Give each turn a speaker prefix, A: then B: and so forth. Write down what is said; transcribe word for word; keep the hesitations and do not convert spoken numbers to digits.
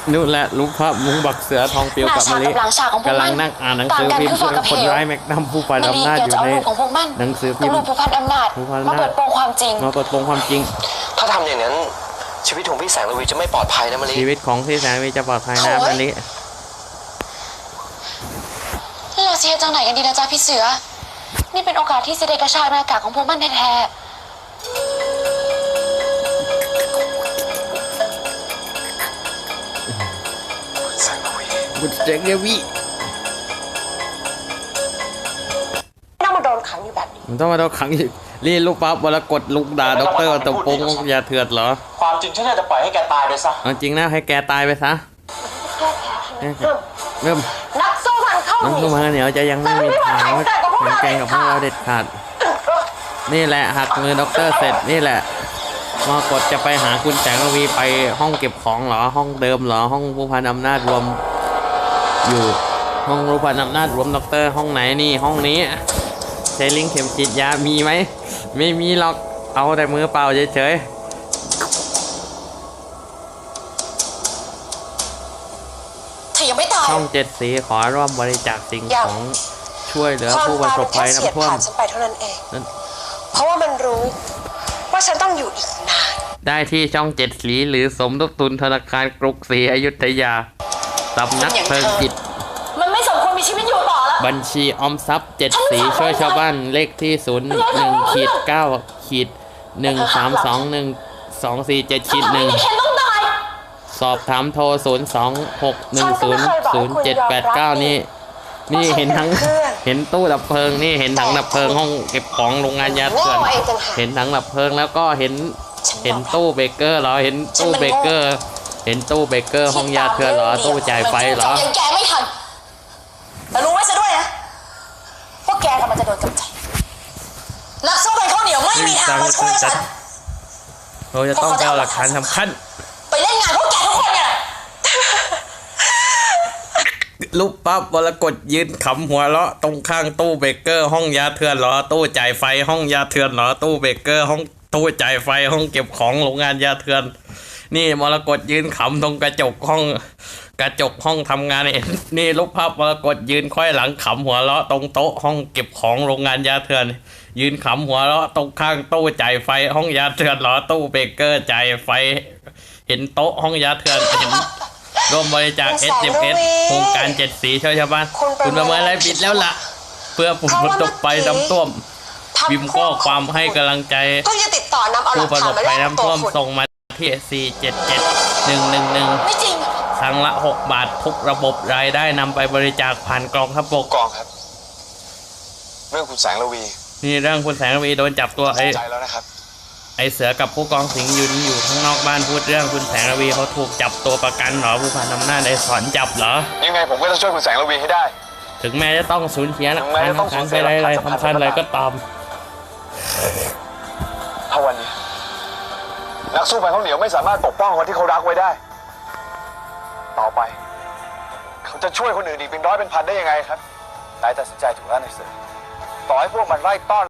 A: นู่นแหละรูปภาพมุงบักเสือทองเปียวกับมะลิกำลังนั่งอ่านหนังสือพิมพ์คนร้ายแม็กนัมผู้พันอำนาจอยู่ในหนังสือพิมพ์
B: ผู้พันอำนาจมาเปิดโปงความจริง
A: มาเปิดโปงความจริง
C: ถ้าทำอย่างนั้นชีวิตของพี่แสงระวีจะไม่ปลอดภัยนะมะลิ
A: ชีวิตของพี่แสงระวีจะปลอดภัยนะมะลิ
B: เราเสียจังไหนกันดีนะจ๊ะพี่เสือนี่เป็นโอกาสที่เสด็จกระชากหน้ากากของพวกมันแท้
A: บุตรแสงระวี
B: ต้องมาโดนขังอยู่แบบนี้
A: มันต้องมาโดนขังอีกรีรูปปั๊บวรกฏลุกด่าด็อกเตอร์ตบโปงยาเถื่อนเหรอ
C: ความจริงฉันจะปล่อยให้แกตายไปซะ
A: จริงนะให้แกตายไปซะเริ่ม
B: นักสู้มันเข้า
A: นักสู้มันเหนียวจะยังไม่มีทางแข่งแกงกับพวกเราเด็ดขาดนี่แหละหักมือด็อกเตอร์เสร็จนี่แหละมากดจะไปหาคุณแสงระวีไปห้องเก็บของเหรอห้องเดิมเหรอห้องผู้พันอำนาจรวมอยู่ห้องผู้พันอำนาจรวมด็อกเตอร์ห้องไหนนี่ห้องนี้ใช้ลิงเข็มฉีดยามีไหมไม่มีหรอกเอาแต่มือเปล่าเฉย
B: ๆเธอยังไม่ตาย
A: ช่องเจ็ดสีขอร่วมบริจาคสิ่งของช่วยเหลือผู้ประสบภัยน้ำท่วม
B: ฉันไปเท่านั้นเองเพราะว่ามันรู้ว่าฉันต้องอยู่อีกนาน
A: ได้ที่ช่องเจ็ดสีหรือสมทบทุนธนาคารกรุงศรีอยุธยาสำนักเพลิงจิต
B: มันไม่สมควรมีชีวิตอยู่ต่อแล้ว
A: บัญชีออมทรัพย์เจ็ดสีช่วยชาวบ้านเลขที่ศูนย์หนึ่งขีดเก้าขีดหนึ่งสามสองหนึ่งสองสี่เจ็ดขีดหนึ่งสอบถามโทรศูนย์สองหกหนึ่งศูนย์ศูนย์เจ็ดแปดเก้านี่นี่เห็นทั้งเห็นตู้ดับเพลิงนี่เห็นถังดับเพลิงห้องเก็บของโรงงานยาเถื่อนเห็นถังดับเพลิงแล้วก็เห็นเห็นตู้เบเกอร์เหรอเห็นตู้เบเกอร์เห็นตู้เบเกอร์ห้องยาเถื่อนเหรอตู้จ่ายไฟเหรอ
B: ยังแกไม่ทันแต่รู้ไว้ซะด้วยนะว่าแกกำลังจะโดนกำจัดนักสู้เป็นข้าวเหนียวไม่มีทางมาช่วยฉัน
A: เราจะต้องเอาหลักฐานสำคัญ
B: ไปเล่นงานพวกแกทุกคนเนี่ย
A: ลูกปั๊บวรกฏยืนขำหัวเราะตรงข้างตู้เบเกอร์ห้องยาเถื่อนเหรอตู้จ่ายไฟห้องยาเถื่อนเหรอตู้เบเกอร์ห้องตู้จ่ายไฟห้องเก็บของโรงงานยาเถื่อนนี่มรกตยืนขำตรงกระจกห้องกระจกห้องทำงานนี่นี่ลูกภาพมรกตยืนค่อยหลังขำหัวเราะตรงโต๊ะห้องเก็บของโรงงานยาเถื่อนยืนขำหัวเราะตรงข้างตู้จ่ายไฟห้องยาเถื่อนเหรอตู้เบเกอร์จ่ายไฟเห็นโต๊ะห้องยาเถื่อนเห็นร่วมบริจาค เอส เอ็ม เอส โครงการเจ็ดสีช่วยชาวบ้านคุณประเมินอะไรผิดแล้วล่ะเพื่อผู้ประสบภัยน้ำท่วมพิมพ์ข้อความให้กำลังใจผู้ประสบภัยน้ำท่วมส่งมาที่สี่เจ็ดเจ็ดหนึ่งหนึ่งหนึ่งครั้งละหกบาททุกระบบรายได้นำไปบริจาคผ่านกองทัพบก
C: กองครับเรื่องคุณแสงระวี
A: นี่เรื่องคุณแสงระวีโดนจับตัวไอ้
C: ใจแล้วนะครับ
A: ไอเสือกับผู้กองสิงห์ยืนอยู่ข้างนอกบ้านพูดเรื่องคุณแสงระวีเขาถูกจับตัวประกันเหรอผู้พันอำนาจไอสอนจับเหรอ
C: ยังไงผมก็จะช่วยคุณแสงระวีให้ได้
A: ถึงแม้จะต้องสูญเสียหลักฐานสำคัญไปอะไรๆสำคัญอะไรก็ตาม
C: ถ้าวันนี้นักสู้พันข้าวเหนียวไม่สามารถปกป้องคนที่เขารักไว้ได้ต่อไปเขาจะช่วยคนอื่นอีกเป็นร้อยเป็นพันได้ยังไงครับนายตัดสินใจถูกแล้วนายเสือต่อให้พวกมันไล่ต้อน